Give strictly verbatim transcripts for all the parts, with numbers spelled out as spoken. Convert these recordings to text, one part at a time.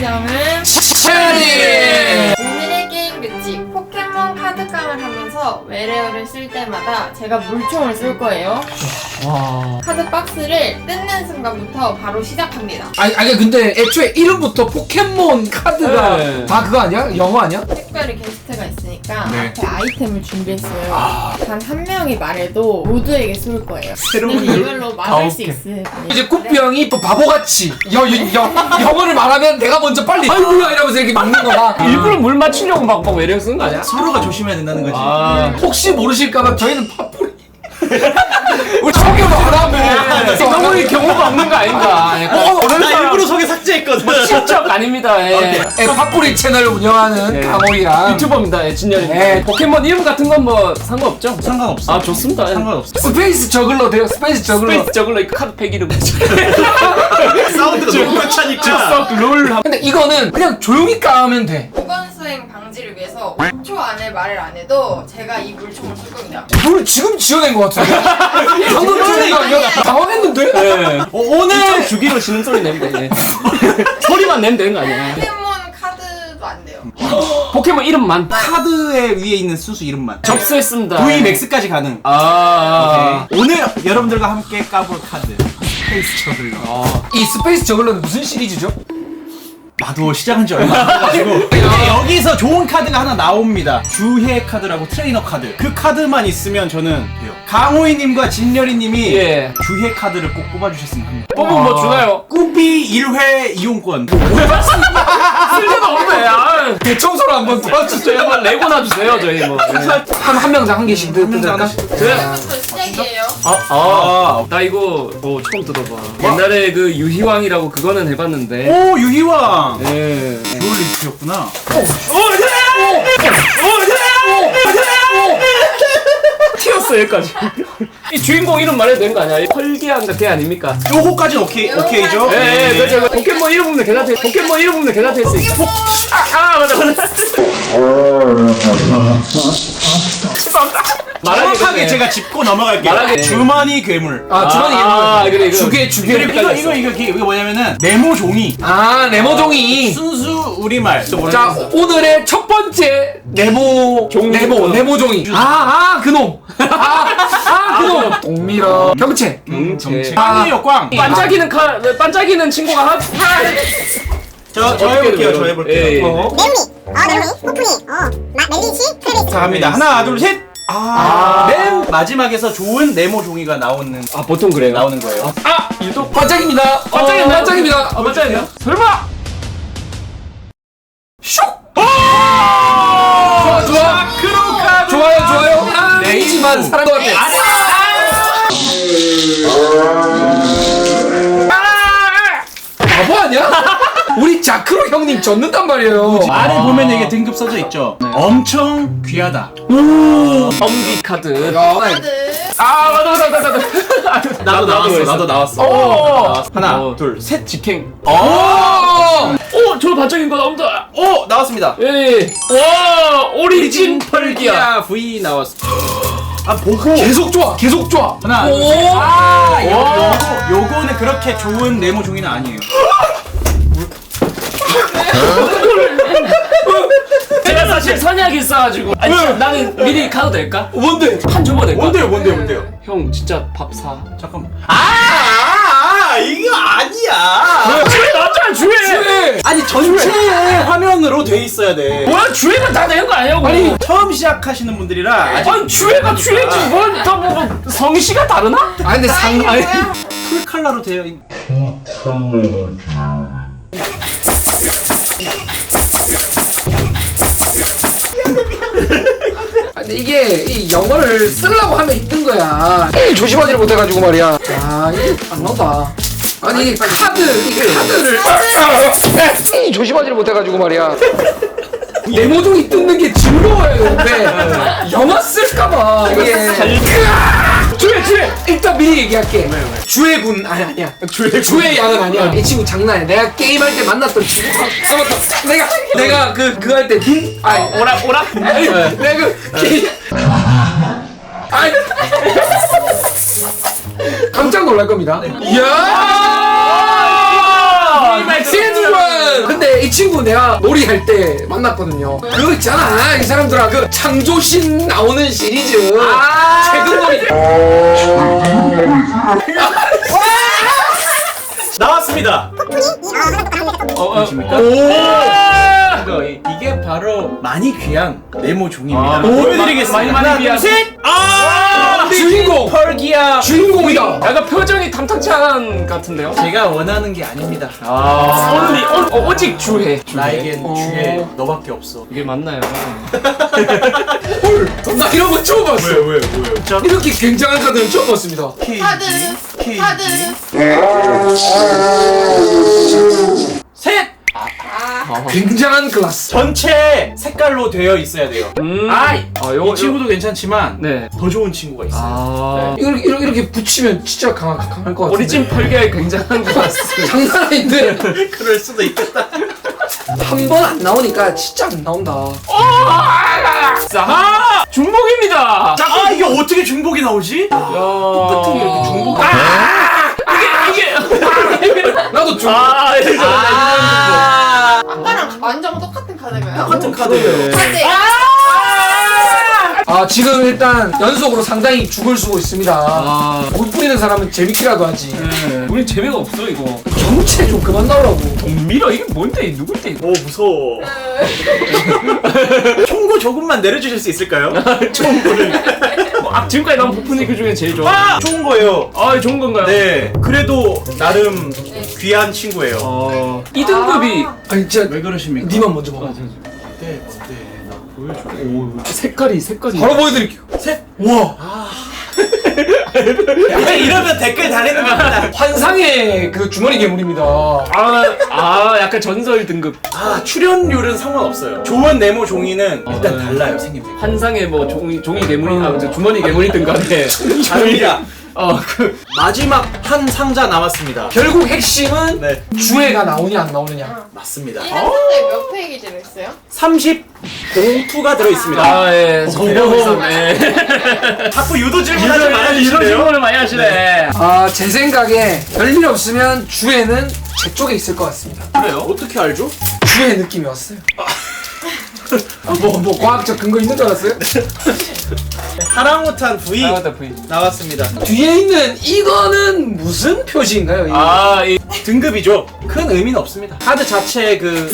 진정은 샤니! 오늘의 게임 규칙. 포켓몬 카드깡을 하면서 외래어를 쓸 때마다 제가 물총을 쏠 거예요. 와. 카드 박스를 뜯는 순간부터 바로 시작합니다. 아니, 아니 근데 애초에 이름부터 포켓몬 카드가 네. 다 그거 아니야? 영어 아니야? 특별히 게스트가 있으니까 네. 앞에 아이템을 준비했어요. 아. 단 한 명이 말해도 모두에게 쏠 거예요. 새로운 근데 이걸로 막을 수 가혹해. 있으니 이제 꾸삐 형이 또 바보같이 여, 여, 여, 영어를 말하면 내가 먼저 빨리 아이고야 이러면서 이렇게 막는 거다. 일부러 물 맞추려고 막, 막 외래어 쓴 거 아니야? 서로가 조심해야 된다는 거지. 아. 혹시 모르실까봐 저희는 팝뿌리 우리 소개도 안 하고 너무 이 경우가 없는 거 아닌가? 어, 어, 나 일부러 소개 삭제했거든. 실적 아닙니다. 예. 예, 팝뿌리 채널을 운영하는 예. 강호이랑 유튜버입니다. 예, 진열이. 네. 포켓몬 이름 같은 건 뭐 상관없죠? 상관없어. 아 좋습니다. 예. 상관없어. 스페이스 저글러 돼요. 스페이스 저글러. 스페이스 저글러 이 카드팩 이름. 사운드가 너무 괜찮으니까. 롤. 근데 이거는 그냥 조용히 까면 돼. 무건 수행 방지를 위해서 오 초 안에 말을 안 해도 제가 이 물총을 쏠 겁니다. 뭘 지금 지어낸 것 같은데? 방금 지어낸 거 아니야? 당황했는데? 예. 어, 오늘 주기로 신음소리 내면 돼. 예. 소리만 내면 되는 거 아니야? 포켓몬 카드도 안 돼요. 포켓몬 이름만 카드에 위에 있는 순수 이름만. 접수했습니다. V 맥스까지 가능. 아. 오케이. 오늘 여러분들과 함께 까볼 카드. 스페이스 저글러. 아. 이 스페이스 저글러는 무슨 시리즈죠? 나도 시작한 지 얼마 안 돼가지고 이제 여기서 좋은 카드가 하나 나옵니다. 주해 카드라고 트레이너 카드. 그 카드만 있으면 저는 돼요. 강호이님과 진열이님이 예. 주해 카드를 꼭 뽑아주셨으면 합니다. 뽑으면 뭐 주나요? 꾸비 일 회 이용권. 쓸데가 없네. 아. 대청소를 한번 도와주세요. 저희 한번 레고나 주세요. 저희 뭐. 예. 한, 한 명당 한 개씩 한 명당 뜯을까? 하나씩. 저희 지금부터 시작이에요. 아, 아, 나 이거 어, 처음 들어봐. 옛날에 그 유희왕이라고 그거는 해봤는데. 오 유희왕. 예. 듀얼리스트였구나. 튀었어 여기까지. 이 주인공 이름 말해도 되는 거 아니야? 펄기한가 걔 아닙니까? 요거까지 오케이 오케이죠? 예, 예, 그렇죠. 그 포켓몬 이름 보면 괜찮대. 포켓몬 이름 보면 괜찮대 있으니까. 아, 아, 맞아, 맞아. 말하기 정확하게 전에. 제가 짚고 넘어갈게요. 말하기 전에. 주머니 괴물. 아, 주머니 아, 이름. 그래, 이거. 주게, 주게. 그리고 이거 이거 이거 이게 이거 뭐냐면은 네모 종이. 아, 네모종이. 순수 우리말. 또 뭐라 자, 그랬어? 오늘의 첫 번째 네모, 종이. 네모, 네모종이. 아, 아, 그놈. 아, 아, 그놈. 동밀어. 경체. 음, 정체. 꽝이에요 꽝. 반짝이는 칼, 반짝이는 친구가 한. 저, 저 어떻게 해볼게요. 돼요? 저 해볼게요. 예, 예. 어. 네오미, 어 네오미, 호프니, 어 마, 멜리시, 트레비스. 자 갑니다. 하나 둘 셋. 아, 맨 마지막에서 좋은 네모 종이가 나오는 아, 보통 그래요. 나오는 거예요. 아, 유독. 반짝입니다. 반짝이네. 반짝입니다. 아, 반짝이네. 설마! 슉! 좋아, 좋아. 크로카 좋아요, 좋아요. 네, 아니지만 사랑 것 같아. 바보 아니야? 우리 자크로 형님 졌는단 말이에요. 아래 보면 이게 등급 써져 있죠. 엄청 귀하다. 엄기 카드. 야, 카드. 아, 맞아, 맞아, 맞아, 맞아. 나도 나왔어. 했어. 나도 나왔어. 오! 하나, 어. 둘, 셋. 직행. 오! 오, 저 반짝인 거 나온다. 오 나왔습니다. 예. 와, 오리진 펄기야. V 나왔어. 아 보고 계속 좋아, 계속 좋아. 하나, 오! 둘, 셋. 아, 요, 와. 요거, 요거는 그렇게 좋은 네모 종이는 아니에요. 제가 사실 선약이 있어가지고. 아니, 나는 미리 가도 될까? 뭔데? 한 줘봐 될까? 뭔데요, 뭔데요, 뭔데요? 형, 진짜 밥 사. 잠깐만. 아, 아, 아 이거 아니야. 주에 나왔잖아, 주에! 네. 아니 전체 화면으로 돼 있어야 돼. 뭐야, 주에가 다 되는 거 아니냐고. 아니 처음 시작하시는 분들이라 아직 아니, 주에가 주에지. 뭘, 다 뭐, 뭐, 성씨가 다르나? 아, 근데 상, 아니. 뭐야? 풀 컬러로 되어 있. 근데 이게 이 영어를 쓰려고 하면 힘든 거야. 이 조심하지 못해가지고 말이야. 아, 이게 안 나온다. 아니 이 카드, 이 카드를 이 조심하지 못해가지고 말이야. 네모종이 뜯는 게 즐거워야 되는데 영어 쓸까봐 이게. 주혜, 주혜! 일단 미리 얘기할게. 주혜군 아니 아니야. 주혜 주혜 양은 아니야. 이 친구 장난이야. 내가 게임할 때 만났던 친구. 아 맞다. 내가 내가 그 그거 할 때 군 아니 오라, 오라? 아니 내가 그 게임 아니 깜짝 놀랄 겁니다. 이야! 시즌 원! 근데 이 친구 내가 놀이할 때 만났거든요. 그거 있잖아 이 사람들아 그 창조신 나오는 시리즈 아 최근 놀이. 나왔습니다. 어, 어, 보십니까? 이거, 이- 이게 바로 많이 귀한 네모 종입니다. 아, 보여드리겠습니다. 많이, 많이 하나, 귀한. 둘, 셋. 아, 주인공! 펄기야. 주인공이다. 약간 표정이 탐탁치 않은 같은데요? 제가 원하는 게 아닙니다. 아 only 어, 오직 주해. 나에겐 어. 주에 너밖에 없어. 이게 맞나요? 헐, 나 이런 거 처음 봤어. 왜, 왜, 왜? 이렇게 굉장한 카드는 처음 봤습니다. 카드 케이지. 카드 셋. 굉장한 클래스. 전체 색깔로 되어 있어야 돼요. 음. 아, 아, 요거 이 친구도 괜찮지만 네. 더 좋은 친구가 있어요. 아. 이렇게, 이렇게, 이렇게 붙이면 진짜 강할, 강할 것 같은데. 오리진 펄기에 굉장한 것 같습니다. 장난 아닌데 그럴 수도 있겠다. 한 번 안 나오니까 진짜 안 나온다. 자, 중복입니다. 자, 아, 이게 어떻게 중복이 나오지? 똑같은 게 이렇게 중복. 이게 이게. 나도 좀 아, 이거 아, 아까랑 완전 똑같은 카드가요? 똑같은 카드예요. 카드 아, 지금 일단 연속으로 상당히 죽을 쓰고 있습니다. 아, 못 뿌리는 사람은 재밌기라도 하지. 네. 우리 재미가 없어 이거. 정체 좀 그만 나오라고. 동밀어 이게 뭔데? 누군데? 오, 무서워. 총고 조금만 내려주실 수 있을까요? 아, 지금까지 나온 부푼이 그 중에 제일 좋아. 아, 좋은 거예요. 아, 좋은 건가요? 네, 그래도 나름 귀한 친구예요. 어, 이 등급이 아니 진짜 왜 그러십니까? 니만 먼저 먹어. 어때, 어때? 나 보여줘. 색깔이 색깔이. 바로 보여드릴게요. 셋. 우와. 이제 이러면 댓글 달리는 겁니다. 환상의 그 주머니 괴물입니다. 아, 아, 약간 전설 등급. 아, 출연료는 상관없어요. 좋은 네모 종이는 일단 네. 달라요, 생김새가. 환상의 뭐 종이 종이 괴물이 아, 저 주머니 괴물이든 간에. 다릅니다. 어, 그 마지막 한 상자 남았습니다. 결국 핵심은 네, 주애가 나오냐 안 나오느냐. 맞습니다. 이 상자에 몇 페이지 들어있어요? 삼십 공투가 들어있습니다. 아, 예. 기대하고 있었네. 자꾸 유도 질문하지 이런 이런 말아주시네요. 질문을 많이 하시네. 아, 제 생각에 별일 없으면 주애는 제 쪽에 있을 것 같습니다. 그래요? 어떻게 알죠? 주애 느낌이 왔어요. 아, 뭐, 뭐 과학적 근거 있는 줄 알았어요? 하랑우탄 V 나왔다 V. 나왔습니다. 뒤에 있는 이거는 무슨 표시인가요? 이거? 아, 이 등급이죠. 큰 의미는 없습니다. 카드 자체의 그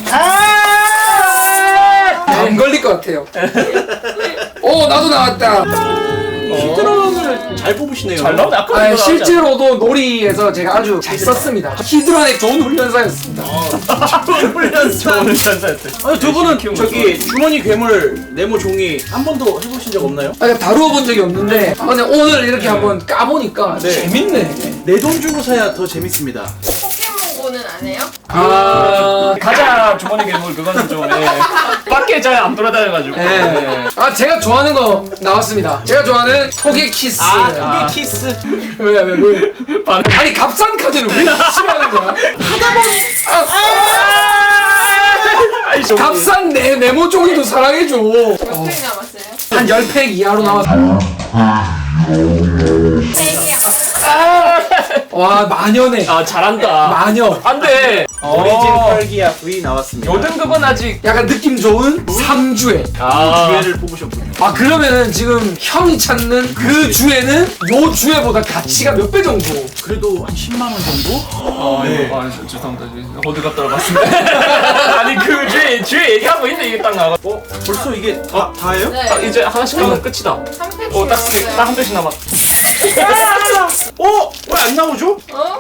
안 걸릴 것 같아요. 오, 나도 나왔다. 히드런을 잘 뽑으시네요. 잘 나오네. 아까 아, 이거 나왔지 실제로도 놀이에서 제가 아주 잘 썼습니다. 히드런의 좋은 훈련사였습니다. 훈련사. 좋은 전사였대. 아니, 두 분은 키운 저기 주머니 괴물 네모 종이 한 번도 해보신 적 없나요? 아, 다루어 본 적이 없는데 아, 근데 오늘 이렇게 한번 까보니까 네. 재밌네. 내 돈 주고 사야 더 재밌습니다. 포켓몬고는 안 해요? 아, 가자 주머니 괴물 그거는 좀 예. 밖에 잘 안 돌아다녀가지고. 네. 아, 제가 좋아하는 거 나왔습니다. 제가 좋아하는 토개 키스. 아, 아. 그게 키스. 왜, 왜, 왜? 반응. 아니, 값싼 카드를 왜 싫어하는 거야? 아이, 좀- 값싼 내, 네모 종이도 사랑해줘. 몇 페이지 남았어요? 한 십 팩 이하로 나왔어. 팩이야. 와, 마녀네. 아, 잘한다. 마녀. 안 돼. 오리진 어. 펄기야 V 나왔습니다. 요 등급은 아직. 약간 느낌 좋은 삼 주에. 아, 기회를 뽑으셨군요. 아, 그러면은 지금 형이 찾는 그 주에는 요 주에보다 가치가 몇 배 정도? 그래도 한 십만 원 정도? 아, 네. 이거, 아, 저- 죄송합니다. 호드가 떨어봤습니다. 아니, 그 주에, 주에 얘기하고 있는데 이게 딱 나가. 어? 벌써 이게 다, 다예요? 네. 딱 이제 하나씩 하면 끝이다. 한 페이지 어, 딱, 남았어요. 딱 한 대씩 남았. 어? 왜 안 나오죠? 어?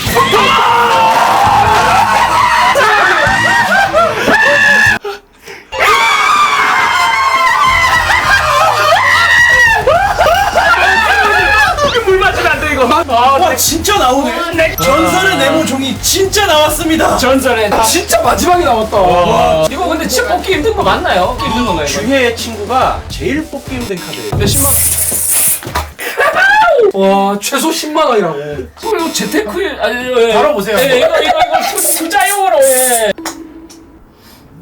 물 맞으면 안 돼, 이거. 아, 와, 진짜 나오네. 네. 전설의 네모 종이 진짜 나왔습니다. 전설의. 진짜 마지막에 나왔다. 와. 이거 근데 진짜 뽑기 힘든 거 맞나요? 뽑기 힘든 건가요, 이거? 주혜의 친구가 제일 뽑기 힘든 카드예요. 몇십만 와, 최소 십만 원이라고. 원? 이거 재테크, 아니, 예. 바로 보세요. 예, 이거, 이거, 이거 투- 투자용으로, 예.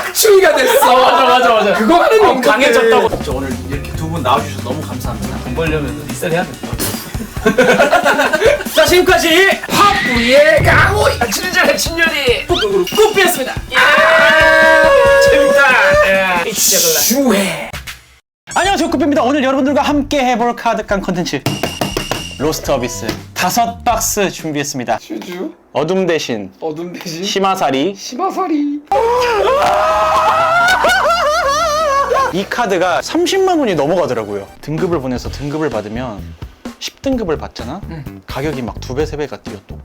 추위가 됐어. 맞아 맞아 맞아. 그거 하는 어, 용도인데. 강해졌다고. 진짜 오늘 이렇게 두 분 나와주셔서 너무 감사합니다. 돈 벌려면 리셋 해야 된다. 자, 지금까지 팝부의 강호이. 친절한 친절이 꾸삐였습니다. 재밌다. 예. 시작을 주해. 안녕하세요, 꾸삐입니다. 오늘 여러분들과 함께 해볼 카드깡 컨텐츠 로스트 어비스 다섯 박스 준비했습니다. 주주. 어둠 대신 어둠 대신 심화살이. 심화살이. 이 카드가 삼십만 원이 넘어가더라고요. 등급을 보내서 등급을 받으면 십 등급을 받잖아? 가격이 막 두 배, 세 배가 뛰어 또.